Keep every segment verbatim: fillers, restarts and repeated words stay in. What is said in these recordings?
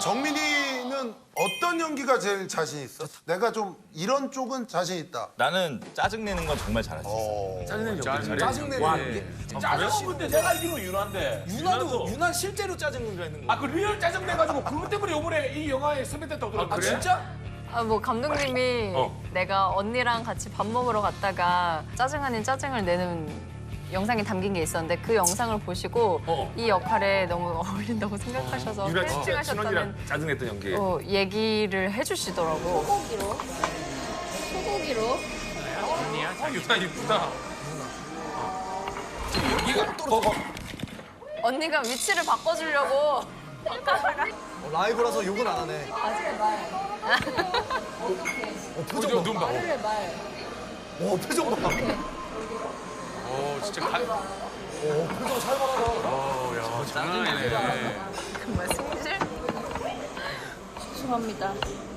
정민이는 어떤 연기가 제일 자신 있어? 내가 좀 이런 쪽은 자신 있다. 나는 짜증 내는 건 정말 잘할 수 있어. 어. 짜증내는 연기. 짜증내는 짜증은 근데 내가 알기로 유나인데. 유나도 유나 실제로 짜증 내는 거. 아 그 리얼 짜증 내가지고 그것 때문에 요번에 이 영화에 섭외됐다고 들었는데. 아 진짜? 아, 뭐 감독님이 어. 내가 언니랑 같이 밥 먹으러 갔다가 짜증 아닌 짜증을 내는 영상이 담긴 게 있었는데 그 영상을 보시고 어. 이 역할에 너무 어울린다고 생각하셔서 유나 진짜 캐스팅하셨다는 신원이랑 짜증냈던 연기. 어, 얘기를 해주시더라고. 소고기로? 소고기로? 아, 유나 이쁘다. 언니가 위치를 바꿔주려고 바꿔다가 어, 라이브라서 욕은 안 하네. 어, 표정 눈 봐. 봐. 어, 표정 봐. 어 진짜 가. 어, 표정 살벌하다. 어, 야, 장난 아니네. 정말 승질? 죄송합니다.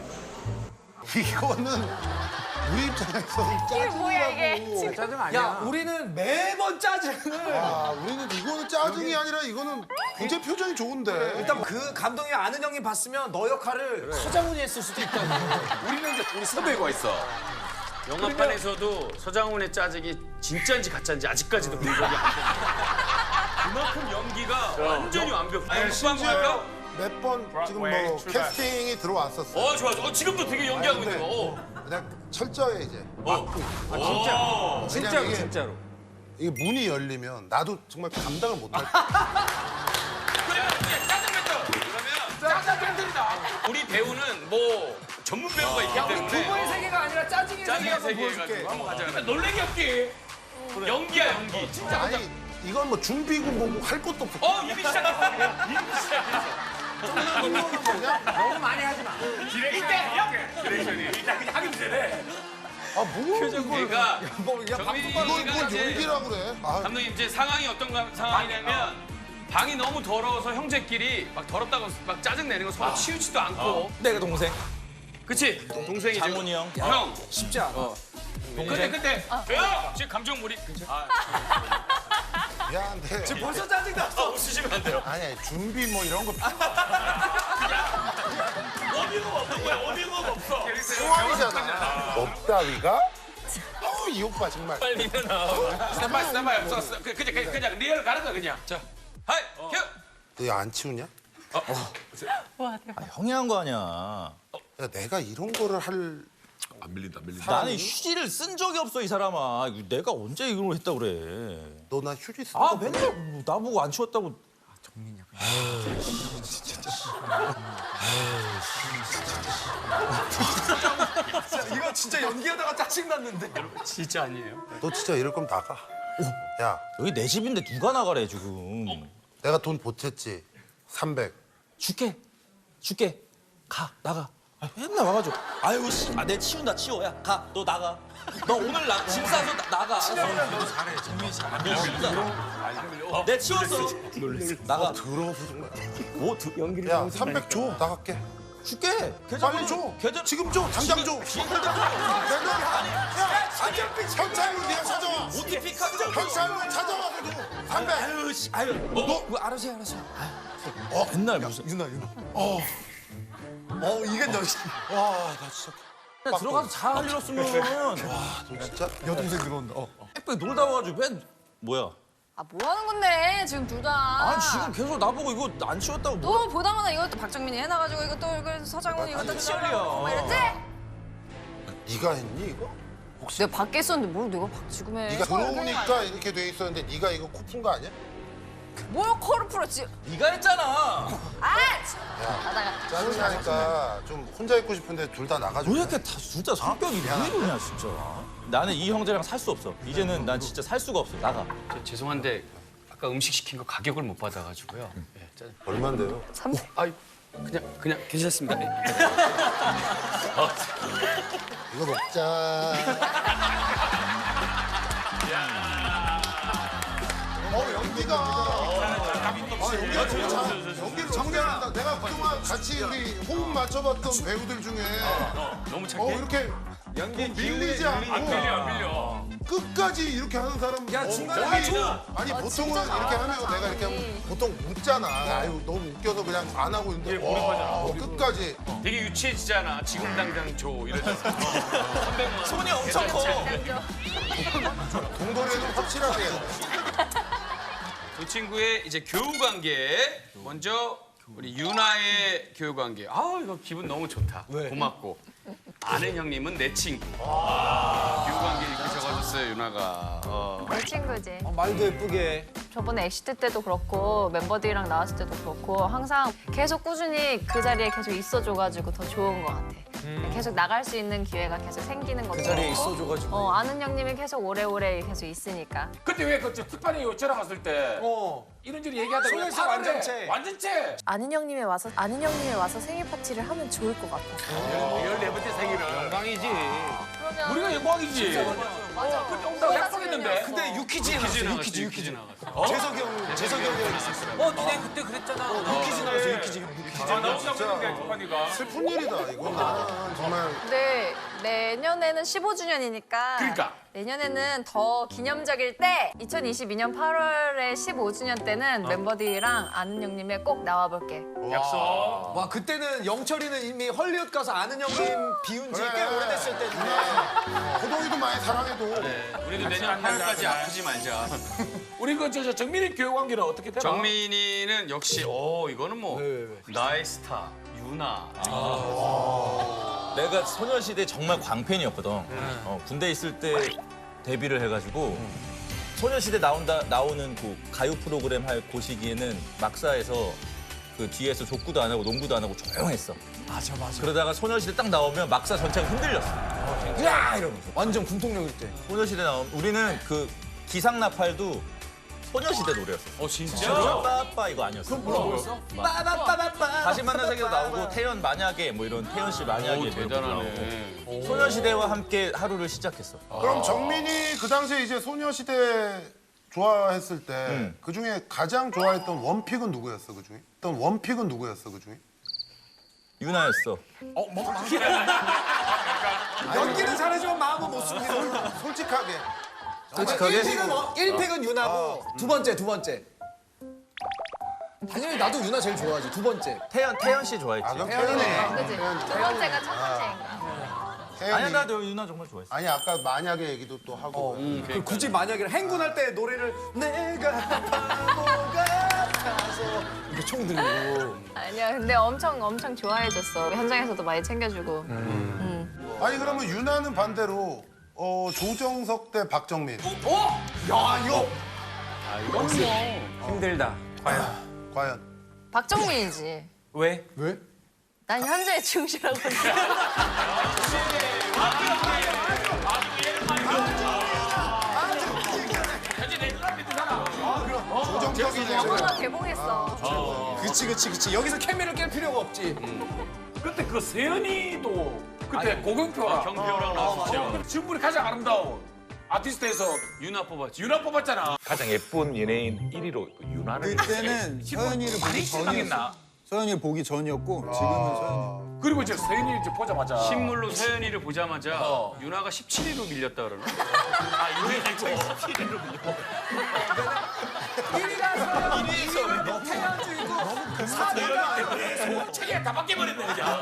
이거는 우리 입장에서는 이게 뭐야 이게 지금. 짜증 야, 우리는 매번 짜증을. 아, 우리는 이거는 짜증이 아니라 이거는 굉장히 표정이 좋은데. 일단 그 감독이 아는 형이 봤으면 너 역할을 서장훈이 했을 수도 있다. 우리는 이제 우리 섭외가 있어. 영화판에서도 서장훈의 짜증이 진짜인지 가짜인지 아직까지도 분석이 안 돼. 그만큼 연기가 완전히 완벽해. 아니, 심지어 할까? 몇 번 지금 뭐 출발. 캐스팅이 들어왔었어. 어, 좋아. 어, 지금도 되게 연기하고 있는 거. 어. 그냥 철저해 이제. 어. 어. 진짜로 진짜로. 이게 문이 열리면 나도 정말 감당을 못할 거야. 그래, 이제 짜증 뱉어. 그러면 짜증 팬들이다. 우리 배우는 뭐 전문 배우가 있기 때문에 부모의 세계가 아니라 짜증의 짜증의 세계를 세계 보여줄게. 해가지고 한번 가자. 그러면 놀래기 없기. 연기야, 연기. 진짜. 아니 이건 뭐 준비고 뭐고 할 것도 없어. 어, 이미 시작했어. 이미 시작했어. 너무 많이 하지 마. 디렉션. 디렉션이. 일단 그냥 하기도 전에. 아뭐 이걸 그러니까 뭐, 야, 방송 이걸 정민이가 뭘 이제 연기라고 그래. 아, 감독님 이제 상황이 어떤 가- 상황이냐면 방이 너무 더러워서 형제끼리 막 더럽다고 막 짜증 내는 거 서로 치우지도 않고. 내가 동생. 그치? 동생이지. 장훈이 형. 형. 쉽지 않아. 근데 근데 야! 지금 감정몰입. 아, 미안한데. 지금 벌써 짜증 났어. 아, 웃으시면 안 돼요. 아니 아니, 준비 뭐 이런 거 어미가 없는 거야. 어미가 없어. 상황이잖아. 없다위가? 어우 이 오빠 정말. 빨리 일어나. 스탠바이 스탠바이 없어. 없어. 그- 그냥 그냥 그냥 리얼 가는 거 그냥. 자, 하이, 큐. 너 안 치우냐? 와 대박. 아, 형이 한 거 아니야. 야, 내가 이런 거를 할 안 밀린다 안 밀린다. 나는 휴지를 쓴 적이 없어 이 사람아. 이거 내가 언제 이걸 했다 그래. 너 나 휴지 쓰 아 맨날 뭐 나보고 안 치웠다고. 이거 진짜 연기하다가 짜증 났는데. 진짜 아니에요. 너 진짜 이럴 거면 나가. 야, 여기 내 집인데 누가 나가래 지금. 내가 돈 보탰지. 삼백. 줄게. 줄게. 가 나가. 아, 맨날 와가지고. 아유 씨. 아, 내 치운다 치워. 야 가. 너 나가. 너 오늘 나, 짐 싸서 나, 나가. 알았어. 너 잘해. 정민이 잘해. 너 진짜. 내 치웠어. 나가. 더러워서 정말. 뭐 드, 연기를 야, 삼백 줘. 나갈게. 줄게. 계좌 빨리 줘. 계좌 지금 줘. 당장 줘. 내가 야, 경찰로 네가 찾아와. 오티피 카드. 경찰로 찾아와서 줘. 삼백. 아유 씨. 아유. 너 뭐, 알아서 해 알아서. 어 맨날 무슨. 유나, 유나. 어. 어, 이게 너. 와, 나 진짜. 그냥 들어가서 잘 일었으면. 너 진짜. 여동생 들어온다. 어. 빽빽 놀다 와가지고 맨 뭐야? 아 뭐 하는 건데 지금 둘 다. 아 지금 계속 나보고 이거 안 치웠다고 뭐? 또 보다마다 이것도 박정민이 해놔가지고 이것도 이거 서장훈이 이것도 치우려고 막 이랬지? 네가 했니 이거? 내가 밖에 있었는데 뭘 내가 박 지금 해. 네가 들어오니까 이렇게 돼 있었는데 네가 이거 코 푼 거 아니야? 뭘 코를 풀었지? 네가 했잖아. 아! 참. 가다가 짜증나니까 좀 혼자 있고 싶은데 둘 다 나가줘. 왜 이렇게 다 진짜 성격이 왜 이러냐 진짜. 나는 이 형제랑 살 수 없어. 이제는 난 진짜 살 수가 없어. 나가. 저, 죄송한데 아까 음식 시킨 거 가격을 못 받아가지고요. 네, 짜- 얼마인데요? 삼백. 아이, 그냥 그냥 괜찮습니다. 네. 이거 먹자. 어 연기가. 아 연기가 너무 잘. 연기를 너무 잘한다. 내가 그동안 같이 우리 호흡 맞춰봤던 배우들 중에 너무 어 착해. 이렇게 연기 밀리지 않고 안 밀려, 안 밀려. 끝까지 이렇게 하는 사람. 야, 어, 중간에 거의- 줘. 아니 어, 보통은 진짜 이렇게 하면 잘한다, 내가 이렇게 언니. 하면 보통 웃잖아. 아유 너무 웃겨서 그냥 안 하고 있는데. 와, 끝까지 여기까지. 되게 유치해지잖아. 지금 당장 줘 이러잖아. 삼백만 원. 손이 엄청 커. 동거래는 확실하게 해야 돼. 두 친구의 이제 교우 관계. 먼저 우리 유나의 교우 관계. 아 이거 기분 너무 좋다. 고맙고. 아는 형님은 내 친구. 교우 관계 이렇게 적어줬어요 유나가. 어. 내 친구지. 어, 말도 예쁘게. 저번에 엑시트 때도 그렇고 멤버들이랑 나왔을 때도 그렇고 항상 계속 꾸준히 그 자리에 계속 있어줘가지고 더 좋은 것 같아. 계속 나갈 수 있는 기회가 계속 생기는 것도 그 자리에 그렇고. 있어줘가지고. 어, 아는 형님이 계속 오래오래 계속 있으니까. 그때 왜그 티파니 저랑 갔을 때 어. 이런저런 얘기하다가 왜 소녀시대 파란데? 완전체. 완전체. 아는 형님이 와서 아는 형님이 와서 생일 파티를 하면 좋을 것 같아서. 열네 번째 생일은 영광이지. 그러면 우리가 영광이지. 맞아. 그때 온다고 약속했는데. 근데 유키즈에 나갔어. 유키즈 유키즈, 유키즈 유키즈. 나갔어. 재석이 형, 재석이 형이랑 있었어. 어, 니네 그때 그랬잖아. 유키즈 나갔어, 유키즈 형. 유키즈. 아, 나 진짜 그랬는데 티파니가. 슬픈 일이다. 이건 나는 정말. 근데 내년에는 십오 주년이니까. 그러니까. 내년에는 더 기념적일 때 이천이십이 년 팔월에 십오 주년 때는 멤버들이랑 아는 형님에 꼭 나와볼게. 약속. 와, 그때는 영철이는 이미 헐리우드 가서 아는 형님 비운 지 꽤 그래. 오래됐을 때인데. 호동이도 많이 사랑해도. 네, 우리도 내년 팔월까지 아프지 말자. 우리 그 저 저 정민이 교우 관계는 어떻게 되나? 정민이는 역시 어 이거는 뭐 왜, 왜, 왜? 나의 스타 유나. 내가 소녀시대 정말 광팬이었거든. 어, 군대 있을 때 데뷔를 해가지고 소녀시대 나온다 나오는 그 가요 프로그램 할 그 시기에는 막사에서 그 뒤에서 족구도 안 하고 농구도 안 하고 조용했어. 맞아, 맞아. 그러다가 소녀시대 딱 나오면 막사 전체가 흔들렸어. 야! 이러면서. 완전 군통력일 때. 소녀시대 나오면 우리는 그 기상나팔도 소녀시대 노래였어. 어 진짜? 빠빠 이거 아니었어. 그럼 뭐라고 빠바빠바빠. 다시 만난 세계도 나오고 태연 만약에 뭐 이런 태연 씨 만약에 오 뭐 이런 거 대단하네. 나오고. 소녀시대와 함께 하루를 시작했어. 그럼 정민이 그 당시에 이제 소녀시대 좋아했을 때 그 중에 가장 좋아했던 원픽은 누구였어 그 중에? 어떤 원픽은 누구였어 그 중에? 유나였어. 연기는 잘해주면 마음은 못 숨기는. 솔직하게. 솔직하게? 일 픽은, 어, 일 픽은 유나고 두 번째, 두 번째. 당연히 나도 유나 제일 좋아하지. 두 번째. 태연 태연 씨 좋아했지. 아 그럼 태연이네. 태연이. 그지? 두 번째가 첫 번째인가? 태연이. 아니야 나도 유나 정말 좋아했어. 아니 아까 만약에 얘기도 또 하고. 그 굳이 만약에 행군할 때 노래를 내가 바보 같아서 이렇게 총 들고. 아니야, 근데 엄청 엄청 좋아해줬어. 현장에서도 많이 챙겨주고. 아니 그러면 유나는 반대로 어, 조정석 대 박정민. 어? 야 이거 힘들다. 과연. 박정민이지. 왜? 왜? 난 현재에 충실하고 있어. 조정석이네. 영화가 개봉했어. 그치 그치 그치 여기서 케미를 깰 필요가 없지. 그때 그 세연이도 그때 고경표랑 경표랑 나왔죠. 지금분이 가장 아름다운 아티스트에서 유나 뽑았지. 유나 뽑았잖아. 가장 예쁜 연예인 일 위로 유나를 그때는 서연이를 많이 보기 실망했나? 전이었어. 서연이를 보기 전이었고 지금은 서연이. 그리고 이제 세연이 이제 보자마자 신물로 서연이를 보자마자 유나가 십칠 위로 밀렸다 그러나? 아 유나 십칠 위로 밀려. 책에 다 바뀌어버렸네 그냥.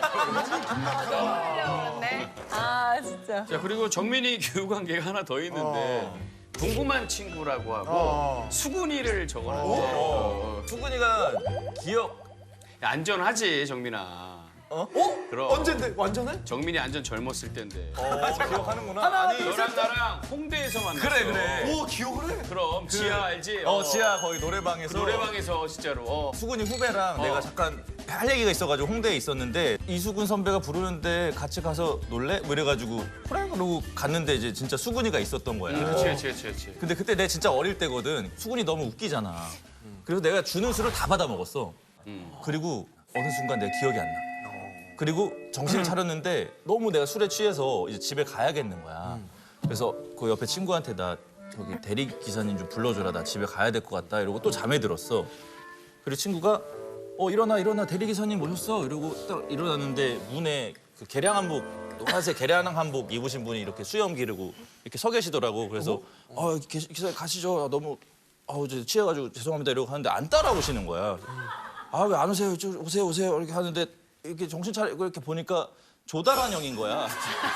그런데 아 진짜. 자 그리고 정민이 교우 관계가 하나 더 있는데 궁금한 친구라고 하고 수근이를 적어놨는데 어. 수근이가 기억. 안전하지 정민아. 어? 그럼 언젠데 완전해? 정민이 안전 젊었을 때인데. 기억하는구나. 아니 너랑 나랑 홍대에서 만났어. 그래 그래. 오 기억을 해? 그럼 지하 알지? 어 지하 거의 노래방에서 노래방에서 진짜로. 어. 수근이 후배랑 내가 잠깐 할 얘기가 있어가지고 홍대에 있었는데 이수근 선배가 부르는데 같이 가서 놀래? 뭐 이래가지고 그래 그러고 갔는데 이제 진짜 수근이가 있었던 거야. 그렇지 그렇지 그렇지 그렇지. 근데 그때 내가 진짜 어릴 때거든. 수근이 너무 웃기잖아. 그래서 내가 주는 술을 다 받아 먹었어. 그리고 어느 순간 내가 기억이 안 나. 그리고 정신을 차렸는데 너무 내가 술에 취해서 이제 집에 가야겠는 거야. 그래서 그 옆에 친구한테 나 저기 대리 기사님 좀 불러줘라. 나 집에 가야 될 것 같다. 이러고 또 잠에 들었어. 그리고 친구가 어 일어나 일어나 대리 기사님 오셨어. 이러고 딱 일어났는데 문에 그 개량 한복 노란색 개량 한복 입으신 분이 이렇게 수염 기르고 이렇게 서 계시더라고. 그래서 어 기사님 가시죠. 너무 아우 이제 취해가지고 죄송합니다 이러고 하는데 안 따라오시는 거야. 아 왜 안 오세요? 저 오세요 오세요 이렇게 하는데 이렇게 정신 차리고 이렇게 보니까 조다란 형인 거야. 어,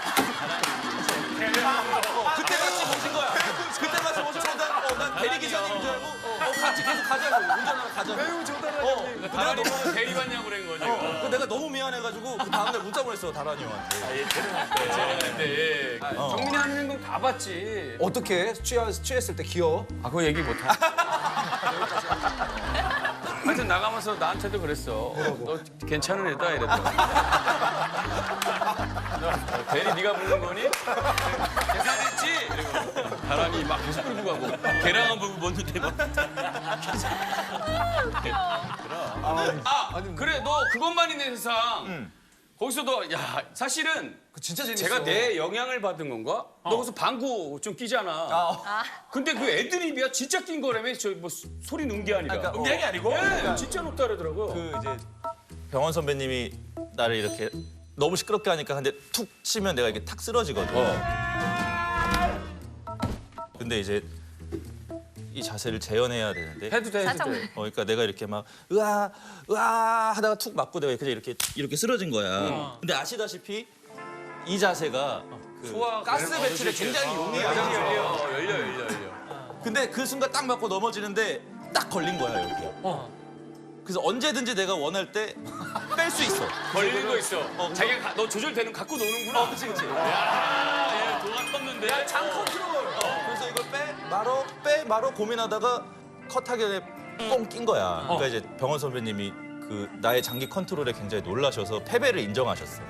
그때 같이 모신 거야. 그때 같이 모셔서 어, 난 대리 기사님인 줄 알고 어, 같이 계속 가자고 운전하러 가자고. 매우 조달한 어, 형님. 내가 다란이 너무 대리받냐고 그런 거죠. 어, 그 내가 너무 미안해가지고 그 다음날 문자 보냈어 다란이 형한테. 근데 정민이 하는 행동 다 봤지. 어떻게 취하, 취했을 때 귀여워? 아, 그거 얘기 못하. 하여튼 나가면서 나한테도 그랬어. 너 괜찮은 애다 이랬더니. 너 대리 네가 부른 거니? 계산했지? 이러고 바람이 막 계속 끌고 가고 계량한 부분 먹는데 막. 아, 그래 너 그것만 있는 세상. 거기서도 야 사실은 진짜 재밌어. 제가 내 영향을 받은 건가? 너 거기서 방구 좀 끼잖아. 근데 그 애드립이야 진짜 낀 거라며 저 뭐 소리 넣은 게 아니라. 그러니까, 넣은 게 아니고? 네, 진짜 넣었다 그러더라고요. 그 이제 병원 선배님이 나를 이렇게 너무 시끄럽게 하니까 근데 툭 치면 내가 이렇게 탁 쓰러지거든. 근데 이제 이 자세를 재현해야 되는데. 해도 돼, 해도 살짝 돼. 어, 그러니까 내가 이렇게 막 으아 으아 하다가 툭 맞고 내가 그냥 이렇게 이렇게 쓰러진 거야. 근데 아시다시피 이 자세가 그 소화 가스 배출에 굉장히 용이해요. 열려, 열려, 열려, 열려. 근데 그 순간 딱 맞고 넘어지는데 딱 걸린 거야 여기. 그래서 언제든지 내가 원할 때 뺄 수 있어. 걸리는 거 있어. 자기가 가- 너 조절되는 거 갖고 노는구나. 어, 그치 그치. 야, 얘 도가 텄는데. 야, 장 컨트롤. 어, 그래서 이걸 빼 말어 빼 말어 고민하다가 컷하기 전에 뻥 낀 거야. 그러니까 이제 병원 선배님이 그 나의 장기 컨트롤에 굉장히 놀라셔서 패배를 인정하셨어.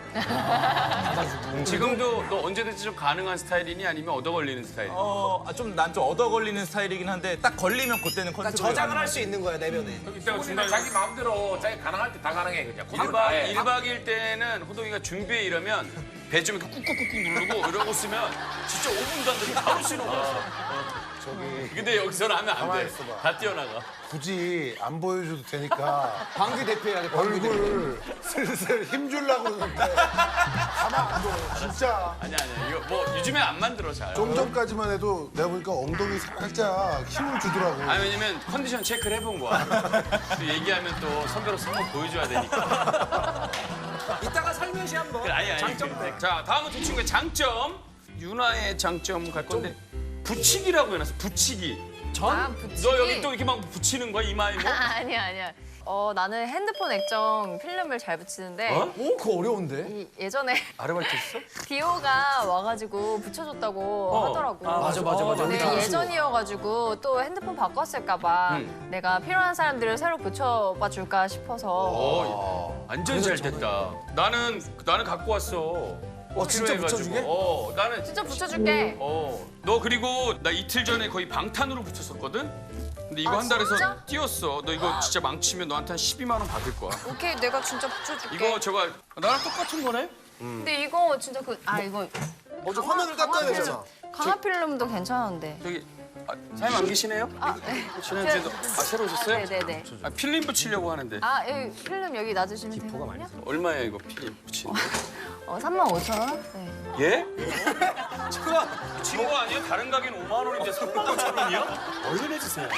지금도 너 언제든지 좀 가능한 스타일이니 아니면 얻어 걸리는 스타일? 어, 좀 난 좀 얻어 걸리는 스타일이긴 한데 딱 걸리면 그때는 컨트롤. 저장을 할 수 있는 거야 내면에. 이따가 중간에 자기 마음대로 자기 가능할 때 다 가능해 그냥. 일 박 일 박일 때는 호동이가 준비해 이러면 배 좀 이렇게 꾹꾹꾹꾹 누르고 이러고 쓰면 진짜 오 분도 안 되고 바로 신호가 왔어. 저기. 근데 여기서는 하면 안 가만히 돼. 있어봐. 다 뛰어나가. 굳이 안 보여줘도 되니까 방귀 대표해야 돼. 방귀 대표. 얼굴 슬슬 힘주려고 그러는데 가만 안 둬. 진짜. 아니야 아니야. 이거 뭐 요즘에 안 만들어 잘. 좀 전까지만 해도 내가 보니까 엉덩이 살짝 힘을 주더라고. 아니 왜냐면 컨디션 체크를 해본 거야. 또 얘기하면 또 선배로서 한번 보여줘야 되니까. 이따가 살며시 한번. 그래, 아니, 아니. 장점. 자 다음은 두 친구의 장점. 유나의 장점 갈 건데 붙이기라고 해놨어. 붙이기. 아, 붙이기? 너 여기 또 이렇게 막 붙이는 거야 이마에 뭐? 아, 아니야 아니야. 어 나는 핸드폰 액정 필름을 잘 붙이는데 어? 오, 그거 어려운데? 이, 예전에 아르바이트 했어? 디오가 와가지고 붙여줬다고 하더라고. 아, 맞아, 맞아, 맞아. 근데 우리 다 예전이어가지고 또 핸드폰 바꿨을까봐 응. 내가 필요한 사람들을 새로 붙여봐 줄까 싶어서. 어, 완전 잘 됐다. 나는 나는 갖고 왔어. 어, 진짜 필요해가지고. 붙여주게? 어, 나는 진짜 붙여줄게. 어, 너 그리고 나 이틀 전에 거의 방탄으로 붙였었거든. 근데 이거 아, 한 달에서 진짜? 뛰었어. 너 이거 진짜 망치면 너한테 한 십이만 원 받을 거야. 오케이 내가 진짜 붙여줄게. 이거 저거 나랑 똑같은 거네? 근데 이거 진짜 그 아 이거 먼저 화면을 닦아야 되잖아. 강화 필름도 괜찮은데. 저기 아, 사장님 안 계시네요? 아, 네. 지난주에도 아 새로 오셨어요? 네네네. 아, 필름 붙이려고 하는데 아 여기 필름 여기 놔주시면 되거든요. 얼마예요 이거 필름 붙이는 거? 어 삼만 오천 원. 네. 예? 친구가 친구 아니야? 다른 가게는 오만 원인데 삼만 오천 원이야? 얼른 해주세요.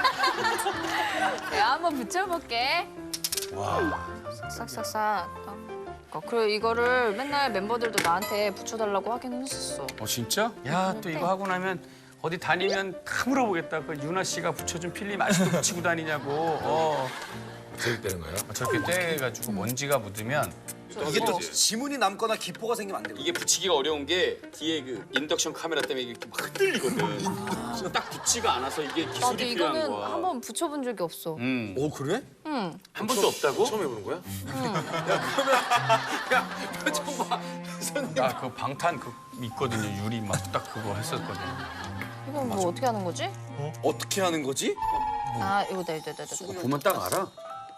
내가 한번 붙여볼게. 와. 싹싹싹. 어, 그리고 이거를 맨날 멤버들도 나한테 붙여달라고 하긴 했었어. 어 진짜? 야 또 이거 하고 나면 어디 다니면 다 물어보겠다. 그 유나 씨가 붙여준 필름 아직도 붙이고 다니냐고. 어. 저기 되는 거예요? 저렇게 떼가지고 먼지가 묻으면 이게 또 지문이 남거나 기포가 생기면 안 되고. 이게 붙이기가 어려운 게 뒤에 그 인덕션 카메라 때문에 이게 막 흔들리거든. 그래서 딱 붙지가 않아서 이게 나도 기술이 필요한 이거는 거야. 한번 붙여본 적이 없어. 음. 오, 그래? 응. 한 번도 없다고? 처음 해보는 거야? 나 그 방탄 그 있거든요. 유리 막 딱 그거 했었거든. 이건 뭐 어떻게 하는 거지? 어떻게 하는 거지? 아 이거다 이거다 이거다. 이거다. 보면 딱 알아.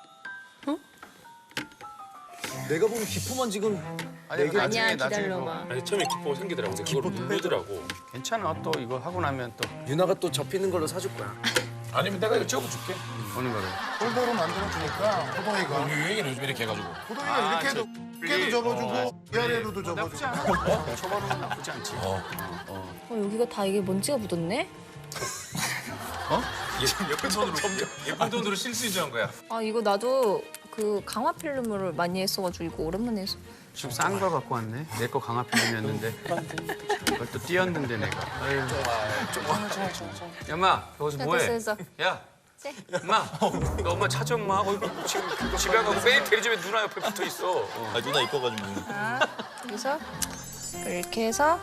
내가 보면 기포만 지금 아니, 아니야 나중에 나중에 기다려봐. 아니 처음에 기포가 생기더라고. 근데 그걸 누르더라고. 뭐 괜찮아. 또 이거 하고 나면 또 유나가 또 접히는 걸로 사줄 거야. 아니면 내가 이거 찍어줄게. 오는 거를. 폴더로 만들어주니까 호동이가 우리 유행이는 요즘 이렇게 해가지고. 호동이가 아, 이렇게 해도 이렇게도 접어주고 위아래로도 나쁘지 접어주고. 않아. 초반은 나쁘지 않지. 어 여기가 다 이게 먼지가 묻었네? 예쁜 돈으로 점점 예쁜 돈으로 실수인줄 한 거야. 아 이거 나도 그 그 강화 필름을 많이 했어가지고 이거 오랜만에 했어. 좀 싼 거 갖고 왔네. 내 거 강화 필름이었는데. 그걸 또 띄었는데 내가. 아유. 야, 엄마, 여기서 뭐해? 됐어, 됐어. 야, 네. 엄마, 너 엄마 찾아, 엄마. 어이구, 지금 집에 가고 왜 대리점에 누나 옆에 붙어 있어? 어. 아 누나 이뻐가지고. 아, 여기서 이렇게 해서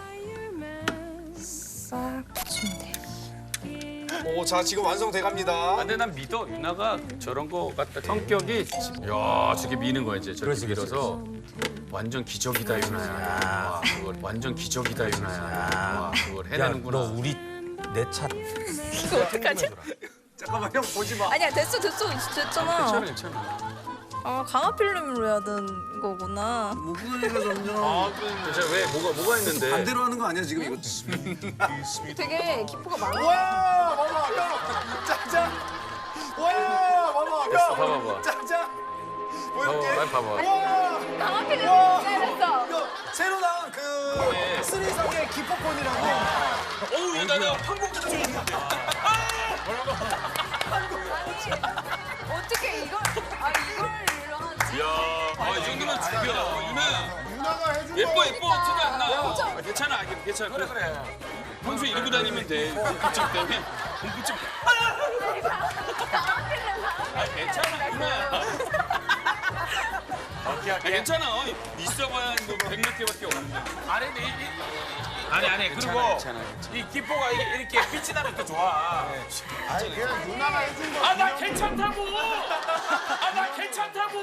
싹 붙이면 돼. 오, 자 지금 완성돼 갑니다. 아, 근데 난 믿어. 유나가 저런 거 같다. 성격이 야, 저게 미는 거야 이제. 저렇게 밀어서 완전 기적이다 유나야. 와, 그걸 완전 기적이다 유나야. 와, 그걸 해내는구나. 너 우리 내 차. 이거 어떡하지? 잠깐만 형 보지 마. 아니야 됐어 됐어 됐잖아. 괜찮아, 괜찮아. 아 강화 필름으로 해야 되는 거구나. 목소리가 점점 아, 진짜 왜 뭐가 뭐가 있는데? 반대로 하는 거 아니야 지금 이거? 되게 기포가 많아. 와, 봐봐 형. 짜잔. 와, 봐봐 됐어, 형. 봐봐봐. 짜잔. 어, 보여줄게. 빨리 봐봐. 와, 강화 필름 와. 잘했어. 이거 새로 나온 그 쓰리성의 기포폰이라고. 어우, 얘 나는 한국 좀 있는데. 어떻게 이걸 아 이걸 하지? 야, 아, 이 정도면 죽여. 유나. 유나가 해준 예뻐 거. 예뻐 티도 안 나. 아, 괜찮아 아, 괜찮아. 그래 그래. 평소에 이러고 다니면 돼. 공포증 때문에. 공포증. 아 괜찮아 유나. 오케이 오케이. 괜찮아. 있어봐야 뭐 백몇 개밖에 없는데. 아니 근데 이, 이, 아니 아니 그리고 괜찮아, 괜찮아. 이 기포가 이게 이렇게 빛이 나면 또 좋아. 아니 그냥 유나가 해준 거. 아 나 괜찮다고. 아 나 괜찮다고.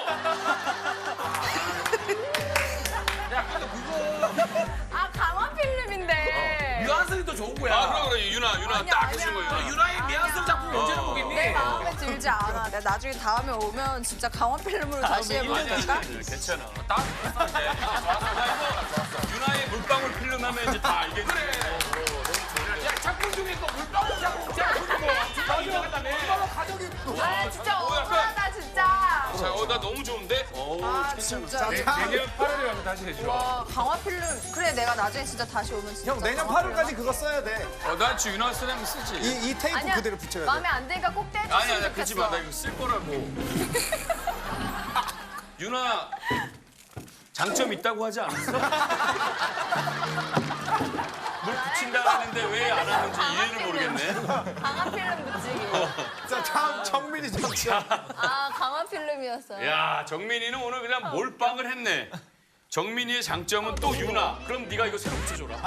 야 근데 그거 아 강화 필름인데. 미완성이 더 좋은 거야. 아 그래 그래 유나 유나 아니야, 딱 아니야. 해준 거야. 너 유나의 미완성 작품 언제나 보겠니? 내 마음에 들지 않아. 내가 나중에 다음에 오면 진짜 강화 필름으로 다시 해보면 아니야 될까? 괜찮아. 딱 좋았어. 좋았어. 유나의 물방울 필름하면 이제 다 알겠지. 야 작품 중에 또 물방울 작품 작품 거 나중에 물방울 가족이 아 진짜 뭐 약간- 억울하다 진짜. 자, 어, 나 너무 좋은데? 어, 아 괜찮아. 진짜. 내년 팔월에 가면 다시 해줘. 와 강화 필름. 그래 내가 나중에 진짜 다시 오면 진짜. 형 내년 강화 팔월까지 그거 써야 돼. 어, 난 지금 유나 쓰려면 쓰지. 이, 이 테이프 아니야 그대로 붙여야 돼. 마음에 안 드니까 꼭 아니, 떼줬으면 아니, 그러지 좋겠어. 마. 나 이거 쓸 거라고. 유나, 장점 있다고 하지 않았어? 뭘 붙인다 하는데 왜 안 하는지 이해를 모르겠네. 강화 필름 붙이기. 자 다음 정민이 장점. 아 강화 필름이었어요. 야, 정민이는 오늘 그냥 몰빵을 했네. 정민이의 장점은 또 유나. 그럼 네가 이거 새로 붙여줘라.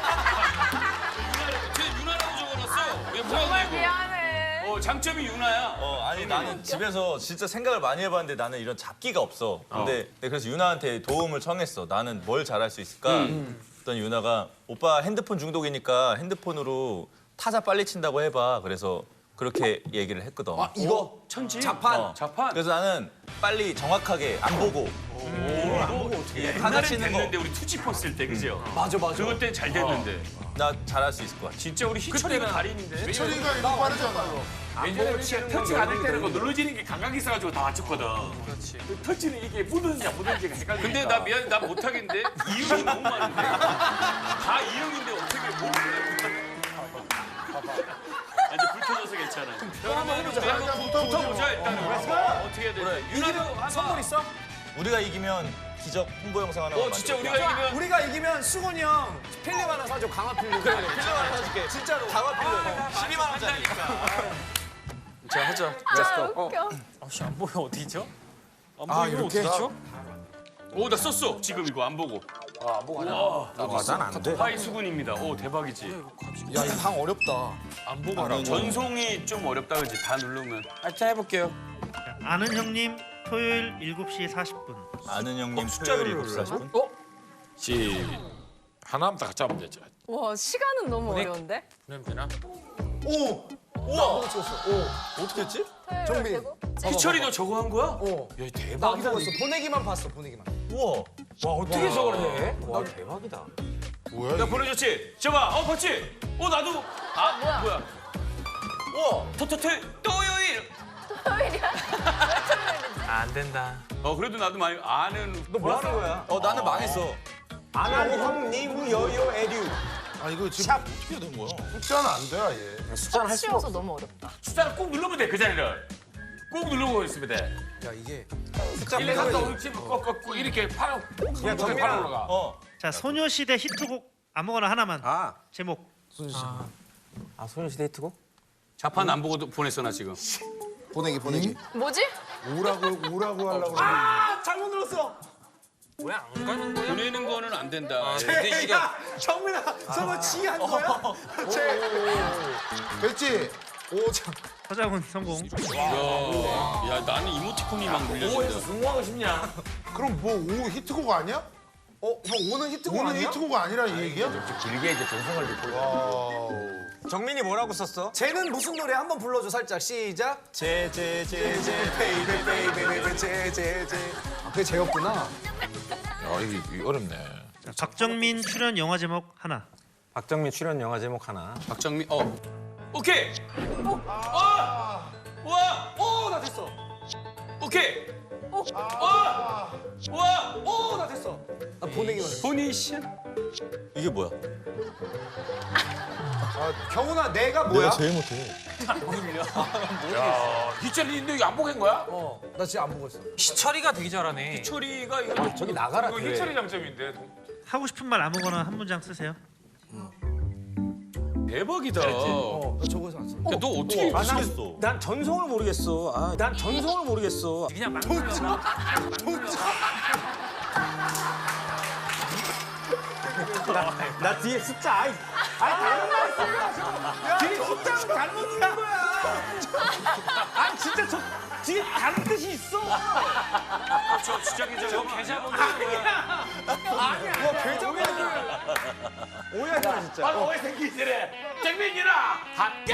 유나를, 쟤 유나라고 적어놨어. 왜 뭐야, 정말 이거? 미안해. 어, 장점이 유나야. 어 아니 나는 집에서 진짜 생각을 많이 해봤는데 나는 이런 잡기가 없어. 근데 내가 그래서 유나한테 도움을 청했어. 나는 뭘 잘할 수 있을까? 그랬더니 유나가 오빠 핸드폰 중독이니까 핸드폰으로 타자 빨리 친다고 해봐. 그래서 그렇게 얘기를 했거든. 이거 천지. 자판. 어. 자판. 그래서 나는 빨리 정확하게 안 보고 안 보고 어떻게 타자 옛날엔 치는 됐는데 거. 우리 투지퍼 쓸 때 그죠? 맞아 맞아. 그럴 땐 잘 됐는데 나 잘할 수 있을 것 같아. 진짜 우리 희철이가 달인인데. 철이가 이거 빠르잖아. 왜냐면 터치가 안 될 때는 거 눌러지는 게 감각이 있어가지고 다 맞췄거든. 그렇지. 터치는 이게 묻었냐 묻었는지가 헷갈리니까. 근데 나 미안 나 못하겠는데 이응이 너무 많은데 다 이응인데 어떻게 모르겠네. 아, 이제 불 켜져서 괜찮아. 형 한번 해보자. 일단 붙어보자. 붙어보자 일단은. 어, 어떻게 해야 되지? 유나도 한번. 선물 있어? 우리가 이기면 기적 홍보 영상 하나 어 진짜 우리가 이기면 우리가 이기면 수건이 형 필름 하나 사줘. 강화 필름. 그래 필름 하나 사줄게. 진짜로. 강화 필름. 십이만 원짜리. 자 하자. 아 웃겨. 아씨 안 보여 어디죠? 아 이렇게? 오나 썼어 지금 이거 안 보고. 난안 돼. 파이 수군입니다. 오 대박이지. 야, 이 방 어렵다. 안 보고 하라. 전송이 좀 어렵다 그지? 다 누르면. 자 해볼게요. 아는 형님 토요일 일곱 시 사십 분. 아는 형님 숫자를 토요일 일곱 시 사십 분. 시 하나만 다 잡으면 되죠. 와 시간은 너무 어려운데? 보내면 되나? 오! 우와! 찍었어. 오. 어떻게 했지? 정민. 희철이 너 저거 한 거야? 어. 야 나 대박이다. 보고 있어. 보내기만 봤어. 보내기만. 우와. 와 어떻게 저걸 해? 와 대박이다. 뭐야? 야 보내줬지? 저봐. 어 봤지? 어 나도. 아 뭐야? 뭐야? 우와. 토토토 토요일. 토요일이야? 안 된다. 어 그래도 나도 많이 아는. 너 뭐 하는 거야? 어 나는 망했어. 아는 형님 여요 에듀. 아 이거 지금 어떻게 된 거야? 숫자는 안 돼, 아예. 숫자는 할 수가 쉬워서 없어. 너무 어렵다. 숫자를 꾹 누르면 돼 그 자리를. 꾹 누르고 있으면 돼. 야 이게 일, 삼, 사, 오, 육, 칠, 꾹꾹꾹 이렇게 팔, 꾹 야, 누르면 팔 올라가. 어. 자, 소녀시대 히트곡 아무거나 하나만. 아 제목. 아 소녀시대 히트곡? 자판 안 보고 보냈어 나 지금. 보내기 보내기. 뭐지? 우라고 우라고 하려고. 아 잘못 눌렀어. 보내는 거는 안 된다. 야 정민아 저거 지한 거야? 됐지? 오 참. 서장훈 성공. 야, 야 나는 이모티콘이 막 물려진다. 성공하고 싶냐? 그럼 뭐 오 히트곡 아니야? 어형 오는 히트곡 오는 아니야? 히트곡 아니라 이 얘기야? 길게 이제 정성을 듣고. 정민이 뭐라고 썼어? 쟤는 무슨 노래 한번 불러줘 살짝 시작. 제제제제 베이베 베이베 베이베 제제제. 아 그게 쟤였구나. 야 이게, 이게 어렵네. 자, 박정민 출연 영화 제목 하나. 박정민 출연 영화 제목 하나. 박정민 어 오케이. 어. 와. 오나 됐어. 오케이. 와. 와. 오나 됐어. 나 보내기만 해. 보니션. 이게 뭐야? 아 경훈아 내가 뭐야? 제일 못해. 야, 희철이 너 이거 안 보겠는 거야? 어나 진짜 안 보고 있어. 희철이가 되게 잘하네. 초리가 이거 저기 나가라. 이거 그래. 희철이 장점인데. 하고 싶은 말 아무거나 한 문장 쓰세요. 대박이다. 어나 저거서 안 써. 야, 너 어떻게 아, 미치겠어. 난 전성을 모르겠어. 아, 난 전성을 모르겠어. 그냥 막 나 뒤에 숫자 아이 아이 다른 말 써. 뒤에 숫자는 잘못 누른 거야. 아니 진짜 저 뒤에 다른 뜻이 있어. 저 진짜 저 계좌 번호 아니야. 아니야. 와 계정이 오해하잖아 진짜. 바로 오해 생기기 전에 정민이나 함께.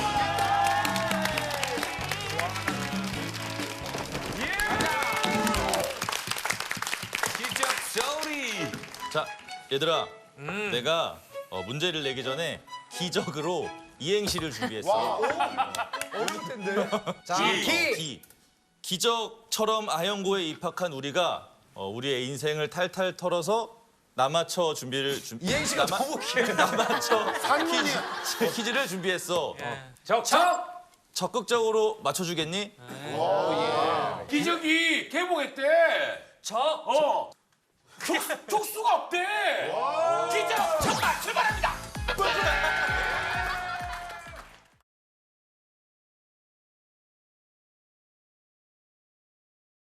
기적 소리. 자, 얘들아. 내가 어, 문제를 내기 전에 기적으로 이행시를 준비했어. 어릴 텐데. 자 기. 기. 기. 기적처럼 아영고에 입학한 우리가 어, 우리의 인생을 탈탈 털어서 나맞춰 준비를 준 이행시가 나마- 너무 길. 나맞춰 산문이야. 퀴즈, 퀴즈를 준비했어. 적적. 적극적으로 맞춰주겠니? 기적이 개봉했대. 적. 어. 촉, 촉수가 없대.